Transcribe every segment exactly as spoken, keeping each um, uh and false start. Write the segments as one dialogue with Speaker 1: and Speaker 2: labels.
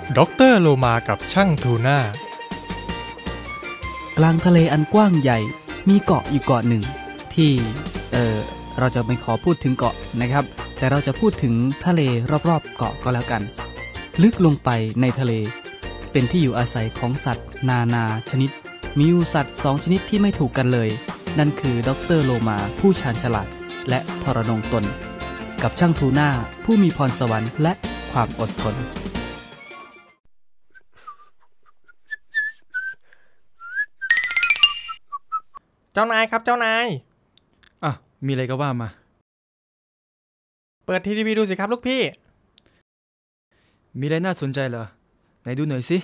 Speaker 1: ด็อกเตอร์โลมากับช่างทูน่าก
Speaker 2: ลางทะเลอันกว้างใหญ่มีเกาะอยู่เกาะหนึ่งที่เออเราจะไม่ขอพูดถึงเกาะนะครับแต่เราจะพูดถึงทะเลรอบๆเกาะก็แล้วกันลึกลงไปในทะเลเป็นที่อยู่อาศัยของสัตว์นานาชนิดมีอยู่สัตว์สองชนิดที่ไม่ถูกกันเลยนั่นคือด็อกเตอร์โลมาผู้ชาญฉลาดและทรนงตนกับช่างทูน่าผู้มีพรสวรรค์และความอดทน
Speaker 1: เจ้านายครับเจ้านาย
Speaker 3: อ่ะมีอะไรก็ว่ามา
Speaker 1: เปิดทีวีดูสิครับลูกพี่
Speaker 3: มีอะไรน่าสนใจเหรอไหนดูหน่อยสิ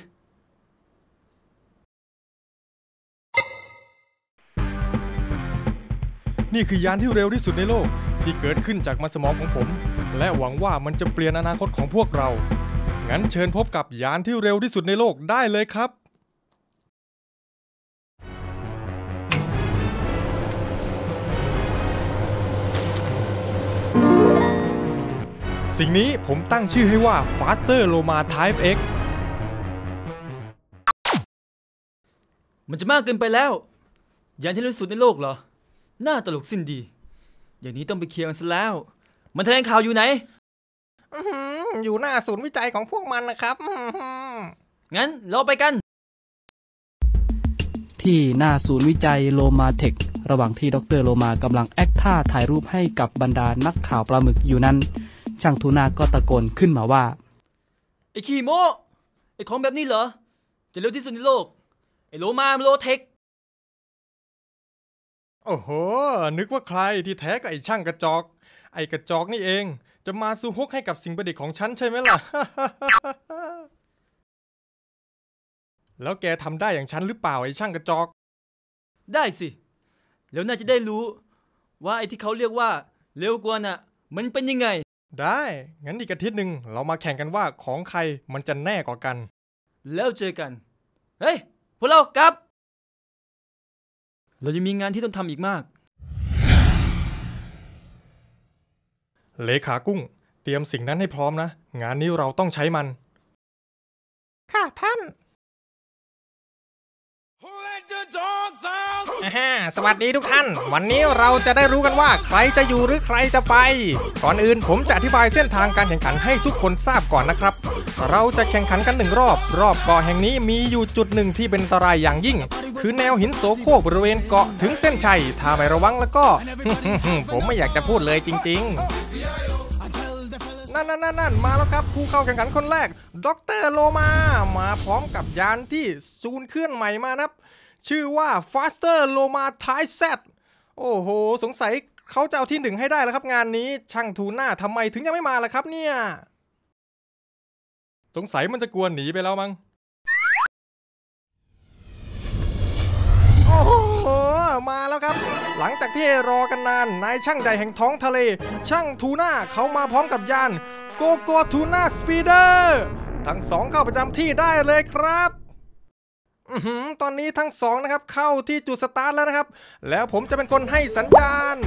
Speaker 1: นี่คือยานที่เร็วที่สุดในโลกที่เกิดขึ้นจากมันสมองของผมและหวังว่ามันจะเปลี่ยนอนาคตของพวกเรางั้นเชิญพบกับยานที่เร็วที่สุดในโลกได้เลยครับสิ่งนี้ผมตั้งชื่อให้ว่า Faster Loma Type X
Speaker 3: มันจะมากเกินไปแล้วยานที่เร็วที่สุดในโลกเหรอน่าตลกสิ้นดีอย่างนี้ต้องไปเคลียร์กันซะแล้วมันแถลงข่าวอยู่ไหน
Speaker 1: อ, อยู่หน้าศูนย์วิจัยของพวกมันนะครับ
Speaker 3: งั้นเราไปกัน
Speaker 2: ที่หน้าศูนย์วิจัยโลมาเทคระหว่างที่ดรโลมากำลังแอคท่าถ่ายรูปให้กับบรรดานักข่าวปลาหมึกอยู่นั้นช่างทูน่าก็ตะโกนขึ้นมาว่า
Speaker 3: ไอ้ขี้โม้ไอ้ของแบบนี้เหรอจะเร็วที่สุดในโลกไอ้โลมาโลเทค
Speaker 1: โอ้โหนึกว่าใครที่แท้ก็ไอ้ช่างกระจอกไอ้กระจอกนี่เองจะมาซูฮกให้กับสิ่งประดิษฐ์ของฉันใช่ไหมล่ะ แล้วแกทำได้อย่างฉันหรือเปล่าไอ้ช่างกระจอก
Speaker 3: ได้สิแล้วน่าจะได้รู้ว่าไอ้ที่เขาเรียกว่าเร็วกว่าน่ะมันเป็นยังไง
Speaker 1: ได้งั้นอีกอาทิตย์หนึ่งเรามาแข่งกันว่าของใครมันจะแน่กว่ากัน
Speaker 3: แล้วเจอกันเฮ้ยพวกเรากลับเราจะมีงานที่ต้องทำอีกมาก
Speaker 1: เลขากุ้งเตรียมสิ่งนั้นให้พร้อมนะงานนี้เราต้องใช้มัน
Speaker 4: ค่ะท่าน
Speaker 1: สวัสดีทุกท่านวันนี้เราจะได้รู้กันว่าใครจะอยู่หรือใครจะไปก่อนอื่นผมจะอธิบายเส้นทางการแข่งขันให้ทุกคนทราบก่อนนะครับเราจะแข่งขันกันหนึ่งรอบรอบเกาะแห่งนี้มีอยู่จุดหนึ่งที่เป็นอันตรายอย่างยิ่งคือแนวหินโสโครกบริเวณเกาะถึงเส้นชัยถ้าไม่ระวังแล้วก็ ผมไม่อยากจะพูดเลยจริงๆนั่นนั่นนั่นมาแล้วครับผู้เข้าแข่งขันคนแรกด็อกเตอร์โลมามาพร้อมกับยานที่ซูนเคลื่อนใหม่มานะชื่อว่า Faster Loma Type Z โอ้โหสงสัยเขาจะเอาที่หนึ่งให้ได้แล้วครับงานนี้ช่างทูน่าทำไมถึงยังไม่มาล่ะครับเนี่ยสงสัยมันจะกลัวหนีไปแล้วมั้งโอ้โหมาแล้วครับหลังจากที่รอกันนานนายช่างใหญ่แห่งท้องทะเลช่างทูน่าเขามาพร้อมกับยานโกโกทูน่าสปีเดอร์ทั้งสองเข้าประจำที่ได้เลยครับอือตอนนี้ทั้งสองนะครับเข้าที่จุดสตาร์ทแล้วนะครับแล้วผมจะเป็นคนให้สัญญาณ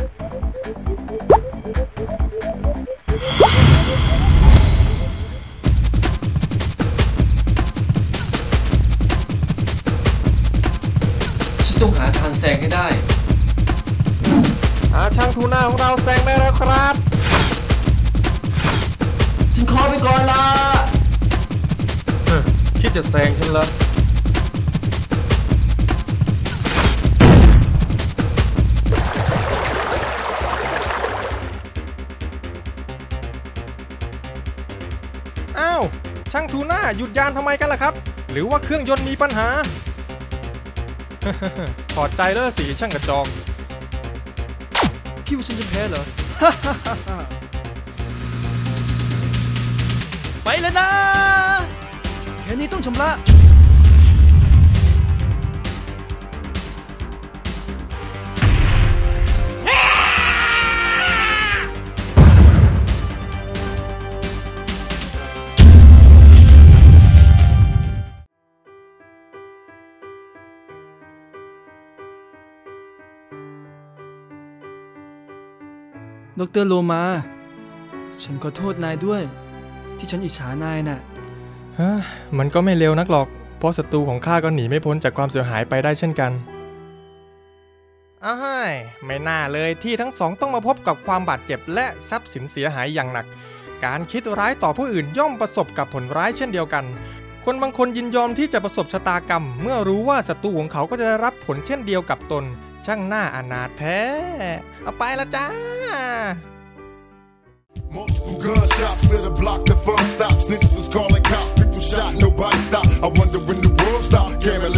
Speaker 3: ฉันต้องหาทางแซงให้ได้
Speaker 1: อาช่างทูน่าของเราแซงได้แล้วครับ
Speaker 3: ฉันขอไปก่อนละ
Speaker 1: คิดจะแซงฉันเหรออ้าวช่างทูน่าหยุดยานทำไมกันล่ะครับหรือว่าเครื่องยนต์มีปัญหา ถอดใจแล้วสิช่างกระจอก
Speaker 3: คิดว่าฉันจะแพ้เหรอ ไปเลยนะแค่นี้ต้องชำระดร.โลมาฉันขอโทษนายด้วยที่ฉันอิจฉานายน่ะ
Speaker 1: ฮะมันก็ไม่เร็วนักหรอกเพราะศัตรูของข้าก็หนีไม่พ้นจากความเสียหายไปได้เช่นกันอ้ายไม่น่าเลยที่ทั้งสองต้องมาพบกับความบาดเจ็บและทรัพย์สินเสียหายอย่างหนักการคิดร้ายต่อผู้อื่นย่อมประสบกับผลร้ายเช่นเดียวกันคนบางคนยินยอมที่จะประสบชะตากรรมเมื่อรู้ว่าศัตรูของเขาก็จะได้รับผลเช่นเดียวกับตนช่างน่าอนาถแท้เอาไปละจ้า
Speaker 5: Multiple gunshots lit a block, the fun stopped. Snitches was calling cops, people shot, nobody stopped. I wonder when the world stopped. Can't